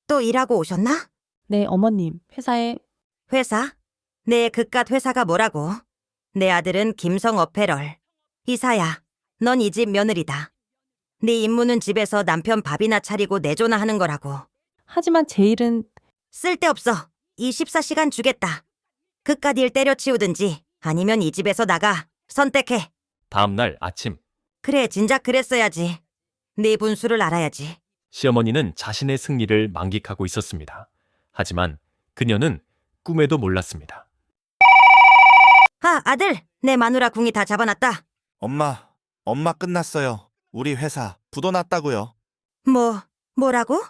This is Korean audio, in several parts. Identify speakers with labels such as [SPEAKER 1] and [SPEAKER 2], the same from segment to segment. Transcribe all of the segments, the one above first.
[SPEAKER 1] 또 일하고 오셨나?
[SPEAKER 2] 네, 어머님. 회사에
[SPEAKER 1] 회사? 내 그깟 회사가 뭐라고? 내 아들은 김성 어페럴. 이사야, 넌 이 집 며느리다. 네 임무는 집에서 남편 밥이나 차리고 내조나 하는 거라고.
[SPEAKER 2] 하지만 제 일은
[SPEAKER 1] 쓸데없어. 24시간 주겠다. 그깟 일 때려치우든지 아니면 이 집에서 나가. 선택해.
[SPEAKER 3] 다음 날 아침,
[SPEAKER 1] 그래, 진작 그랬어야지. 네 분수를 알아야지.
[SPEAKER 3] 시어머니는 자신의 승리를 만끽하고 있었습니다. 하지만 그녀는 꿈에도 몰랐습니다.
[SPEAKER 1] 아, 아들! 내 마누라 궁이 다 잡아놨다.
[SPEAKER 4] 엄마 끝났어요. 우리 회사 부도 났다고요.
[SPEAKER 1] 뭐라고?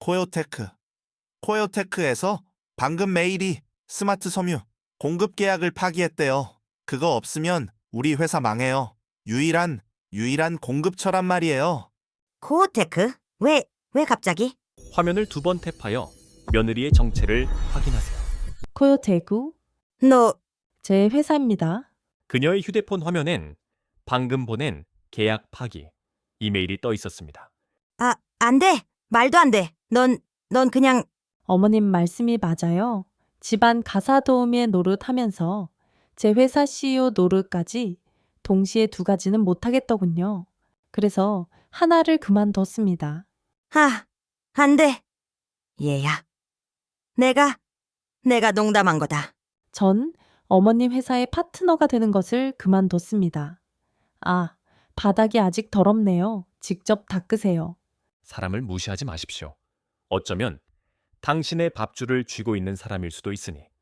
[SPEAKER 4] 코요테크에서 방금 메일이 스마트 섬유 공급 계약을 파기했대요. 그거 없으면 우리 회사 망해요. 유일한 공급처란 말이에요.
[SPEAKER 1] 코어테크? 왜 갑자기?
[SPEAKER 3] 화면을 2번 탭하여 며느리의 정체를 확인하세요.
[SPEAKER 2] 코요테구
[SPEAKER 1] 너,
[SPEAKER 2] 제 회사입니다.
[SPEAKER 3] 그녀의 휴대폰 화면엔 방금 보낸 계약 파기 이메일이 떠 있었습니다.
[SPEAKER 1] 안 돼. 말도 안 돼. 넌 그냥,
[SPEAKER 2] 어머님 말씀이 맞아요. 집안 가사 도우미의 노릇하면서 제 회사 CEO 노릇까지 동시에 2가지는 못하겠더군요. 그래서 하나를 그만뒀습니다.
[SPEAKER 1] 안 돼. 얘야. 내가 농담한 거다.
[SPEAKER 2] 전 어머님 회사의 파트너가 되는 것을 그만뒀습니다. 아, 바닥이 아직 더럽네요. 직접 닦으세요.
[SPEAKER 3] 사람을 무시하지 마십시오. 어쩌면 당신의 밥줄을 쥐고 있는 사람일 수도 있으니